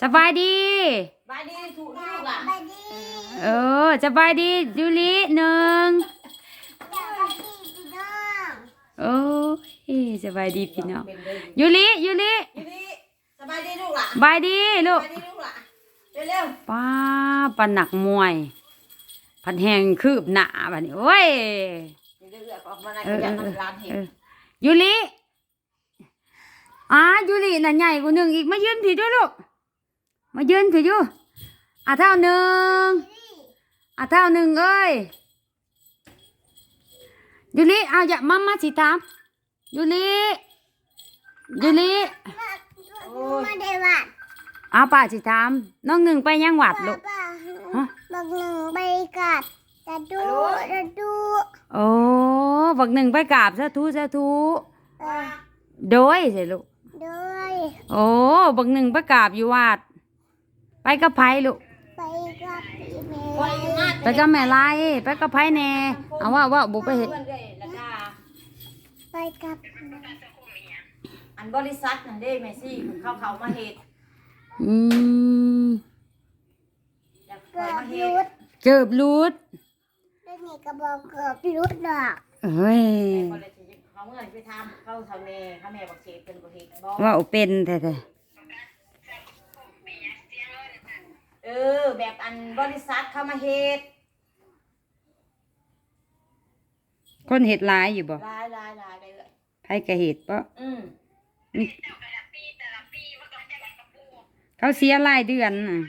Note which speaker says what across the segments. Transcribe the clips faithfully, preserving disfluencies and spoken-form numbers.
Speaker 1: สบายดี
Speaker 2: สบายดีถูกลูกอ่ะ
Speaker 1: เออสบายดียูริหนึ่งโอ้ยสบายดีพี่น้องยูริยูริ
Speaker 2: ยูริสบายดีลูกอ่ะ
Speaker 1: บายดีลูก
Speaker 2: สบายดีลูกอ่ะเร็ว
Speaker 1: ป้าปันหนักมวยพันแหงคืบหนาบัดนี้โอ้ย
Speaker 2: เรื่อยๆออกมาในกระยามันร้านเห็น
Speaker 1: ยูริอ่ายูริน่ะใหญ่กว่าหนึ่งอีกมายืนผีด้วยลูกมายืนผีอยู่อ่ะเท่าหนึ่งอ่ะเท่าหนึ่งเอ้ยยูริเอาอย่ามามาสิตามยูริยูริ
Speaker 3: มาเดวัด
Speaker 1: เอาป่าสิตามน้องหนึ่งไปยังหวัดลูกฮะ
Speaker 3: บักหนึ่งไปกัดตะดูตะดู
Speaker 1: โอ้บักหนึ่งไปกราบสาธุสาธุโดยสิลูก
Speaker 3: ด้วย
Speaker 1: โอ้บักหนึ่งไปกราบอยู่วัดไปกับไผลูก
Speaker 3: ไปกับแม่
Speaker 1: ไปกับแม่ไรไปกับไผแน่เอาว่าว่าบุไปเห็น
Speaker 3: ไปกับ
Speaker 2: อันบริษัทนั่นเด้แม่ซี่เขาเขามาเห็ด
Speaker 1: อืม
Speaker 3: เกือบรุด
Speaker 1: เกือบรุด
Speaker 3: เรื่องนี้ก็บอกเกือบรุดดอก
Speaker 1: เฮ้ย
Speaker 2: เขาเมื่อไปทำเข้าทำเมย์เขาแม่บอกเชฟเป็นบริษัท
Speaker 1: ว่าเป็นแท้
Speaker 2: เออแบบอันบริษัทเขามาเห็ด
Speaker 1: คนเห็ดลายอยู่บ่
Speaker 2: ลายลายลายเลย
Speaker 1: ไผกะเห็ดปะ
Speaker 2: อืม
Speaker 1: เขาเสียรายเดือนน่ะ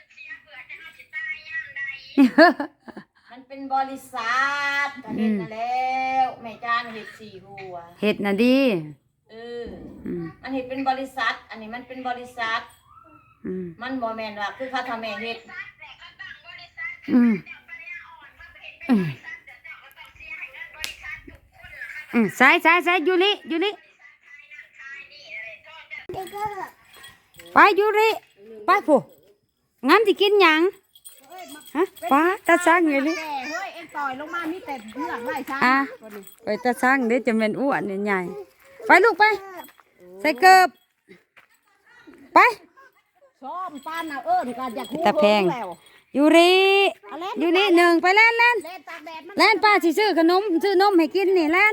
Speaker 2: มันเป็นบริษัทก็เห็ดนั่นแล้วแม่จานเห็ดสี่หัว
Speaker 1: เห็ดน่ะดี
Speaker 2: เออมันเห็ดเป็นบริษัทอันนี้มันเป็นบริษัทมันบอแมนว่าคือเขาทำแม่เห็ด
Speaker 1: อืมอืมอืมใส่ใส่ใส่ยูริยูริไปยูริไปผู้งั้นที่กินยังฮะป้าตาช่างไงลิ
Speaker 2: เฮ้ยเอ็งต่อยลงมามีแต่เพื่อนไล่ช่าง
Speaker 1: อ่ะไปตาช่างเดี๋ยวจะเป็นอ้วนใหญ่ไปลูกไปใส่เกือบไป
Speaker 2: ซ้อมปานเอาเอิ้นกันอยากคู่
Speaker 1: ตะแพงยูริยูริหนึ่งไปเล่นเล่นเล่นป้าสิซื้อขนมซื้อนมให้กินนี่เล่น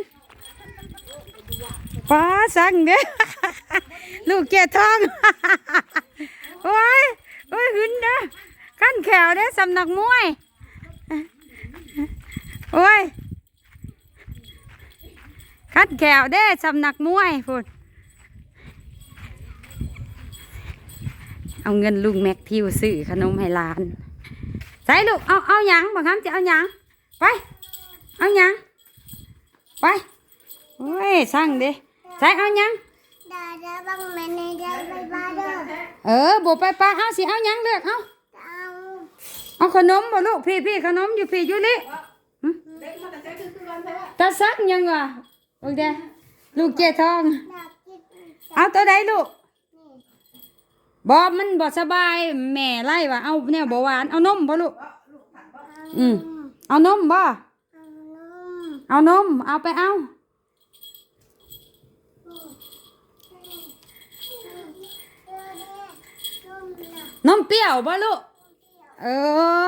Speaker 1: ป้าสั่งเด้อลูกเกทองโอ้ยโอ้ยหึนเด้อขั้นแขวเด้อสำนักมวยโอ้ยขั้นแขวเด้อสำนักมวยพูดเอาเงินลุงแม็กทิวซื้อขนมให้หลานใส่ลูกเอาเอาหยังบอกครับจะเอาหยังไปเอาหยังไปโอ้ยสั่งดิใส่เอาหยัง
Speaker 3: ดาดาบังแม่ในดาไปบ้านเด้อ
Speaker 1: เออบุไปป้าเอาสิเอาหยังเลือกเอาเอาขนมบ่ลูกพี่พี่ขนมอยู่พี่อยู่ลิตาซักยังวะโอเคลูกเจทองเอาตัวใดลูกบอมันบอสบายแม่ไล่ว่าเอาเนี่ยบหวานเอานมบ่ลูกอืมเอานมบ่เอานมเอาไปเอานมเปรี้ยวบ่ลูกเออ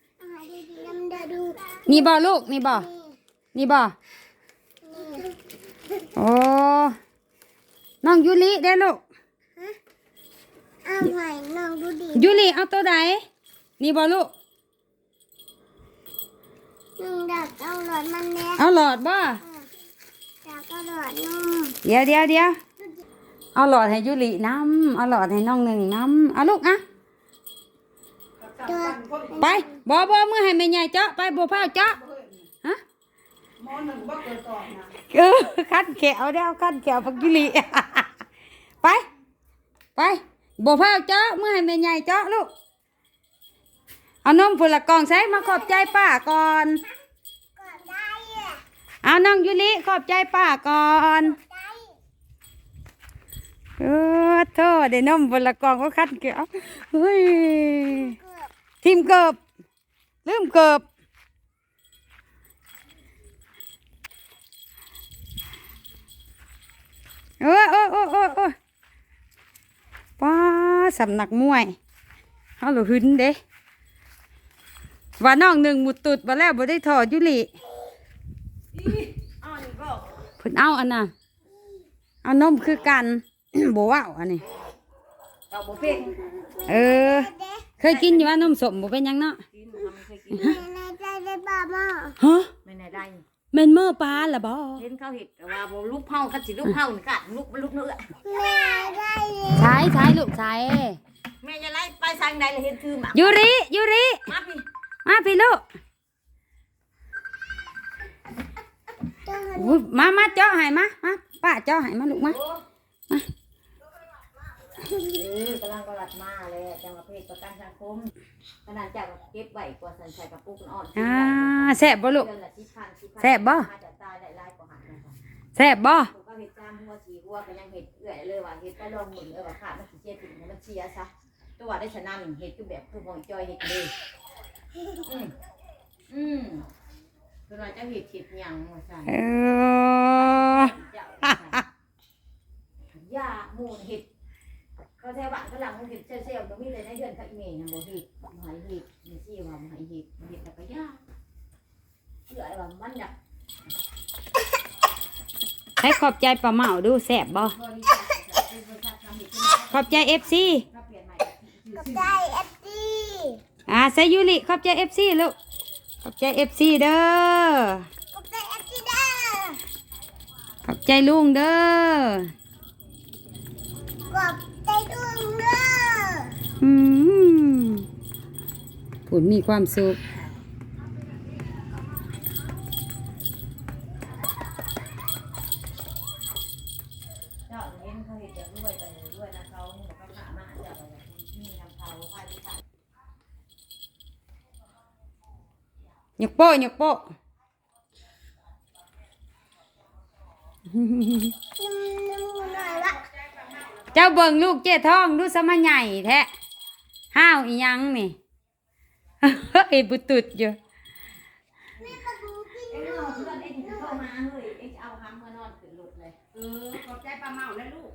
Speaker 1: นี่บ่ลูกนี่บ่นี่บ่โอ้น้องยูริได้ลูก
Speaker 3: เอาไว้น้องดูดิ
Speaker 1: ยูริเอาตัวใดนี่บ่ลูก
Speaker 3: น้องดักเอาหลอดมันแน่
Speaker 1: เอาหลอดบ่
Speaker 3: ดักเอาหลอดนม
Speaker 1: เดี๋ยวเดี๋ยวเดี๋ยวเอาหลอดให้ยูริน้ำเอาหลอดให้น้องหนึ่งน้ำเอาลูกอ่ะไปบ่บ่เมื่อให้แม่ใหญ่เจาะไปบ่เผาเจาะฮะเออคัดแขวเดี๋ยวคัดแขวพักยูริไปไปบ่เผาเจาะเมื่อให้แม่ใหญ่เจาะลูกเอานมผุละกองใส่มาขอบใจป้าก่อนเอาน้องยูริขอบใจป้าก่อนเออโทษได้นมผุละกองก็คัดแขวเฮ้ยทีมเกิบลืมเกิบโอ้โอ้โอ้โอ้ป้าสำนักมวยเฮาหลุหึนเด้ว่าน้องหนึ่งหมุดตุดมาแล้วบ่ได้ถอดยุลิ
Speaker 2: อ้าวนี่ก็
Speaker 1: เพิ่นเอาอันน่ะเอานมคือกัน บ่ว้าวอันนี้
Speaker 2: เราบ่เป็น
Speaker 1: เออ เคยกินอยู่ว่านมสมบ่เป็นหยังเนาะ
Speaker 2: กินมันไม่เคยกิน
Speaker 3: ในใจได้บ้ามา
Speaker 1: ฮะ
Speaker 2: ไม่ไหนได้
Speaker 1: แม่นเมื่อปลาล่ะบ่
Speaker 2: เห็นเขาเห็ดว่าบ่ลูกเผาคันสิลูกเผานี่กัดลูกลูกเนื้อ
Speaker 3: แม่ได้เลย
Speaker 1: ใช้ใช้ลูกใช้
Speaker 2: แม่จะไล่ไปทางใดเลยเห็นคือหมา
Speaker 1: ยูริยูริ
Speaker 2: มาพี่
Speaker 1: มาพี่ลูก
Speaker 3: ตัว
Speaker 1: อุ๊ยมามาเจาะให้มามาป้าเจาะให้มาลูกมา
Speaker 2: เออกำลังกลัดมาเลยจังหวัดเพชรประกันสังคมขนาดจากเก็บไว้กว่าสันชัยกับปุ๊กอ่อน
Speaker 1: อ่าแซ่บบ่ลูก
Speaker 2: เดือนละสิบพันสิบพัน
Speaker 1: แซ่บบ่
Speaker 2: มาจากตายได้หลายกว่าหันนะคะ
Speaker 1: แซ่บบ่
Speaker 2: ผมก็เห็ดจามหัวสีหัวก็ยังเห็ดเอื่อยเลยว่าเห็ดไปลองหมุนเลยว่าขาดมันสิเจี๊ยบถึงมันเชียซะตัวได้ชนะหนึ่งเห็ดคือแบบคือหอยจอยเห็ดเลยอืมอืมตัวเราจะเห็ดเห็ดหยังมาใส่
Speaker 1: เออ
Speaker 2: เจ้ายาหมูนเห็ดเขาแถวบ้านเขาหลังเห็ดเซลล์ๆก็มีเลยในเดือนเขาอีเมย์นะบ่เห็ดหอยเห็ดมีซี่ว่าหอยเห็ดเห็ดแล้วก็ยาเอื่อยว่ามันอยาก
Speaker 1: ให้ขอบใจป้าเหมาดูแซ่บบ่
Speaker 2: บริษัทเป็นบริษัททำเห็ดขึ้นมา
Speaker 1: ขอบใจ เอฟ ซี
Speaker 2: ถ้าเปลี่ยนใหม่
Speaker 3: กับใจเอฟซี
Speaker 1: อ่าใส่ยูริขอบใจ เอฟ ซี ลูกขอบใจ เอฟ ซี เด้อ
Speaker 3: กับใจเอฟซีเด้อ
Speaker 1: ขอบใจลุงเด้อ
Speaker 3: กับใจดุงเด้อ
Speaker 1: อืมผุนมีความสุข
Speaker 2: เจ้าเห็นเขาเห็ดจะรวยกันด้วยนะเขาเนี่ยเขาขามาเจ้าแบบมีน้ำเผาพายพิธาย
Speaker 1: ยกโป้ยกโป้
Speaker 3: นุ่มนุ่มหน่อยละ
Speaker 1: เจ้าเบิ่งลูกเจ๊ท้องดูสมาใหญ่แท้ห้าวอีหยังนี่ เอ้ยบุตุดอยู่
Speaker 3: แม่ก็ดูกิน
Speaker 2: เอ็งเอาเพื่อนเอ็งเข้ามาเฮ้ยเอ็งจะเอาคำมานอนขึ้นรถเลย
Speaker 4: เออขอบใจป้าเมาแล้วลูก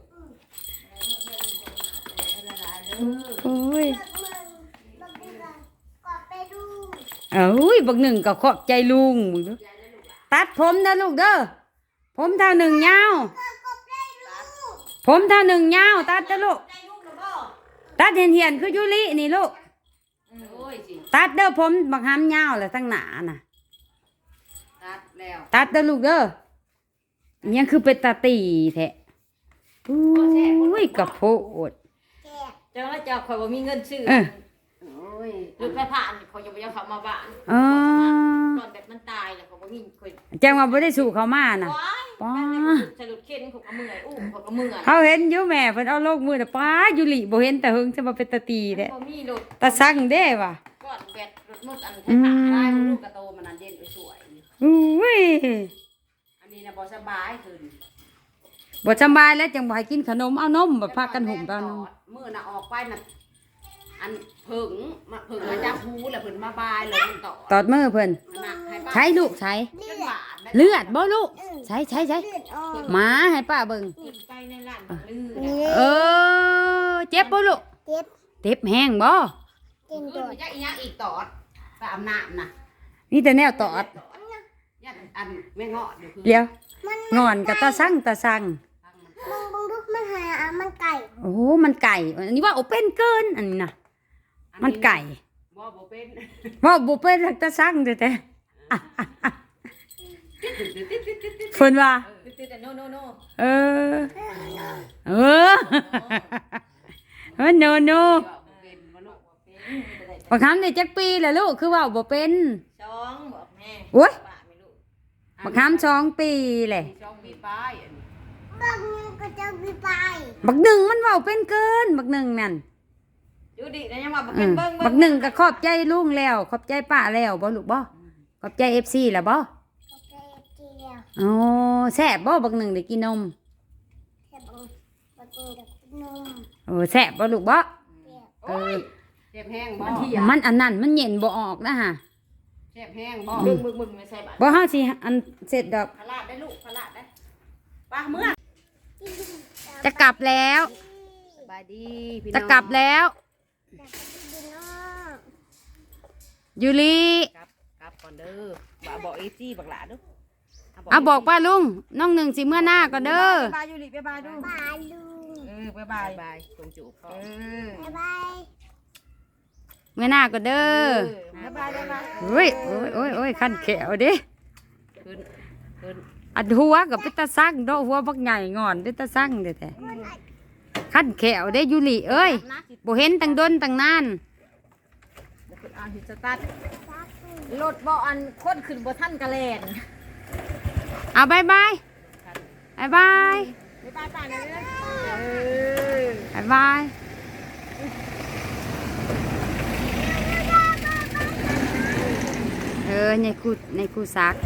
Speaker 1: โอ้ย
Speaker 3: มึงบักเดือนก็ไปดู
Speaker 1: เอ้ยบักหนึ่งก็ขอบใจลุงมึงดูตัดผมนะลูกเด้อผมเท่าหนึ่งยาว
Speaker 3: ก็ก็ไปดู
Speaker 1: ผมเท่าหนึ่งยาวตัดนะลูก
Speaker 2: ใจลูกหรือเปล่า
Speaker 1: ตัดเหียนเหียนๆคือยูรินี่ลูก
Speaker 4: โอ้ยสิ
Speaker 1: ตัดเด้อผมบักหามยาวเลยทั้งหนาน่ะ
Speaker 4: ตัดแล้ว
Speaker 1: ตัดเด้อลูกเด้ออิหยังคือเป็นตาตีแท้อุ้ยกระโพด
Speaker 3: แก
Speaker 2: เจ้าแล้วเจ้าคอยว่ามีเงินซื้อ
Speaker 1: เออ
Speaker 4: โอ้ย
Speaker 2: ลูกแม่ผ่านเขาจะไปเอาเขามาบ้าน
Speaker 1: อ๋อ
Speaker 2: ตอนแบบมันตายแล้วเขาบอกมีคอย
Speaker 1: แจ้งว่าบ่ได้สู่เขามาน่ะ
Speaker 2: ว้าย
Speaker 1: ป้า
Speaker 2: สรุปเข็นเขาก็เมื่อยอู้เขาก็เมื่อย
Speaker 1: เขาเห็นอยู่แม่เพิ่นเอาโลกมือน่ะป้ายูริบ่เห็นแต่หึงจะมาเป็นตาตีแท้
Speaker 2: พอมีรถ
Speaker 1: ตาสั่งเด้ว่ะ
Speaker 2: ก้อนแบตรถมืดอัน
Speaker 1: อื
Speaker 2: ท้าย
Speaker 4: ได้
Speaker 1: ม
Speaker 4: ลูกกระโตมันนั่นเด่นสวย
Speaker 1: อุ้ย
Speaker 4: อันนี้นะบ่สบายขึ้น
Speaker 1: บ่สำบายแล้วจังบ่ให้กินขนมเอานมบ่พากันหุ่มตอนนม
Speaker 4: มือน่ะออกไปน่ะอันผึ่งมาผึ่งมาจับหูแล้วเพิ่นมาบายเลยมันต่อ
Speaker 1: ตอดมือเพิ่น
Speaker 4: น่ะให้ป้า
Speaker 1: ใช้ลูกใช้
Speaker 3: เลื
Speaker 4: จ
Speaker 3: อน ด
Speaker 4: บาดได้
Speaker 1: เลือดบ่ลูกใช้ใช้ใช้
Speaker 3: เลือดออก
Speaker 1: หมาให้ป้าเบิ่ง
Speaker 2: ขึ้นไปในร้านลือ
Speaker 3: นี่
Speaker 1: เออเจ็บบ่ลูก
Speaker 3: เจ็บ
Speaker 1: เจ็บแห้งบ่
Speaker 3: กิน
Speaker 4: ขึ้
Speaker 3: ตั
Speaker 4: น
Speaker 3: ว
Speaker 4: ไปจักอีหยังอีกตอดไปอาบน้ำน่ะ
Speaker 1: นี่แต่แนวตอด
Speaker 4: ยันอันแม่เงาะเดี๋ยวคือ
Speaker 1: เดี๋ยว
Speaker 3: มัน
Speaker 1: งอนกับตาสั่งตาสั่ง
Speaker 3: มึงมึงดูมันหาอ่ะมันไก่
Speaker 1: โอ้โหมันไก่อันนี้ว่าโอเป็นเกินอันนี้น่ะมันไก่
Speaker 4: บ่บ่เป็น
Speaker 1: ว่าบ่เป็นหักตาสั่งแต่แต่เพิ่นว่า
Speaker 2: ติดแต่โนโนโน
Speaker 1: เออ เออ เออโนโน
Speaker 4: บ่เป็นบ่ลูก
Speaker 1: บางคำนี่จักปีแหละลูกคือว่าบ่เป็น
Speaker 2: สองบอกแม่
Speaker 1: โอ๊ย
Speaker 2: บ้าไม่รู้
Speaker 1: บางคำสองปีแหละ
Speaker 4: มีช่องมีป้ายอันนี้
Speaker 3: บางนึงก็จะมีไป
Speaker 1: บักหนึ่งมันเว้าเป็นเกิน บักหนึ่งนั่น
Speaker 2: ดูดิแล้วยังว่าบอก
Speaker 1: อื
Speaker 2: เป็น
Speaker 1: ม
Speaker 2: เบิ้ง
Speaker 1: บักหนึ่งก็ขอบใจลุงแล้ว ขอบใจป้าแล้วบ่ลูกบ่ขอบใจ เอฟ ซี แล้วบ่
Speaker 3: ก็จะกินแล้ว
Speaker 1: อ๋อแซ่บบ่บักหนึ่งได้กินนม
Speaker 3: แต่บางบางทีกับนม
Speaker 1: โอ้แซ่บบ่ลูกบ่
Speaker 3: เปรี้ยว
Speaker 1: เออ
Speaker 4: เจ็บแห้งบ่
Speaker 1: มันอันนั้นมันเย็นบ่ออกนะฮะ
Speaker 4: เจ็บแห้งบ่
Speaker 2: มึงมึงมึงไม่ใช่บ้าน
Speaker 1: บ่เฮาสิอันเสร็จดอก
Speaker 4: พลาดได้ลูกพลาดได้ป้าเมื่อ
Speaker 1: จะกลับแล้ว
Speaker 4: บบายดีพี่น้อง
Speaker 1: จะกลับแล้ว
Speaker 3: อยากไปดูน้อง
Speaker 1: ยูริ
Speaker 4: กลับกลับก่อนเด้อบอกบอกเอซี่บักหลาเด้อ
Speaker 1: เอาบอกป้าลุงน้องหนึ่งสิเมื่อหน้าก่อนเด้อ
Speaker 2: บ๊ายบายยูริบ๊ายบายดู
Speaker 3: บายลุง
Speaker 2: เออบ๊ายบา
Speaker 4: บาย ยบายตรงจูบพ่อ
Speaker 2: เออ
Speaker 3: บ๊ายบาย
Speaker 1: เมื่อหน้าก่อนเด้อ
Speaker 2: บ๊ายบายบ๊ายบาย
Speaker 1: เฮ้ยโอ้ยโอ้ยโอ้ยขั้นแขวเด้
Speaker 4: ขึ้นขึ้น
Speaker 1: อัดหัวกับเป็นตาสั่งเนาะหัวบักใหญ่งอนเป็นตาสั่งเด้อแท้ขั้นแขวเด้ยูริเอ้ย
Speaker 2: นะสิ
Speaker 1: บ่เห็นตั้งดนตั้งนาน
Speaker 2: เดี๋ยวคุณเอาหินสตาร์ท
Speaker 3: รักลุง
Speaker 2: รถบ่อันคนขึ้นบ่ทันกะแลน
Speaker 1: เอาบายบายบายบาย
Speaker 2: บ๊ายบายป่านเลยนะเออบ
Speaker 1: ายบายเออในคูในคูซัก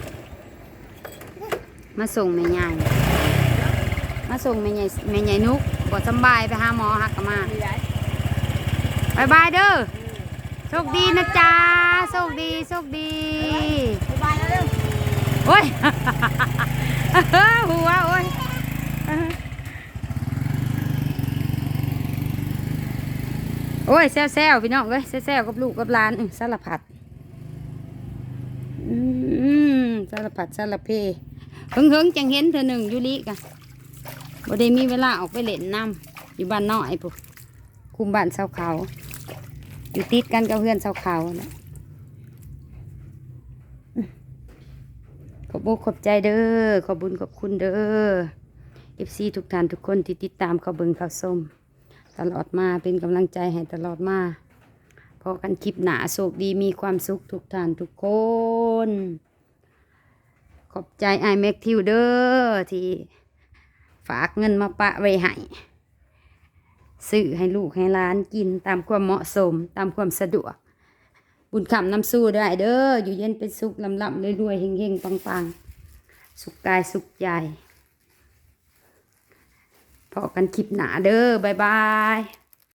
Speaker 1: มาส่งแม่ใหญ่มาส่งแม่ใหญ่แม่ใหญ่นุกบ่สำบายไปหาหมอหักกะมา
Speaker 2: มีไร
Speaker 1: บายบายเด้อโชคดีนะจ๊ะโชคดีโชคดี
Speaker 2: บ๊ายบายแล้วเร็ว
Speaker 1: โอ้ย หัวโอ้ยโอ้ยแซวๆพี่น้องเอ้ยแซวๆกับลูกกับหลานอื้อสารพัดอืมสารพัดสารเพเฮิงเฮิงๆจังเห็นเธอหนึ่งอยูริกะบ่ได้มีเวลาออกไปเล่นน้ำอยู่บ้านน้อยปุ๊คุมบ้านเสาเขาอยู่ติดกันกับเพื่อนเสาเขานะขอบอกขอบใจเด้อขอบุญขอบคุณเด้อเอฟซีทุกท่านทุกคนที่ติดตามเขาเบิ่งเขาส้มตลอดมาเป็นกำลังใจให้ตลอดมาพอกันคลิปหนาโชคดีมีความสุขทุกท่านทุกคน ขอบใจไอแม็กทิวเดอร์ที่ฝากเงินมาปะไว้ให้ซื้อให้ลูกให้หล้านกินตามความเหมาะสมตามความสะดวก บุญคำน้ำสู้ได้เด้ออยู่เย็นเป็นสุขลำลำรวยๆเฮงๆปังๆ สุขกายสุขใจพอกันคลิปหนาเด้อบ๊ายบาย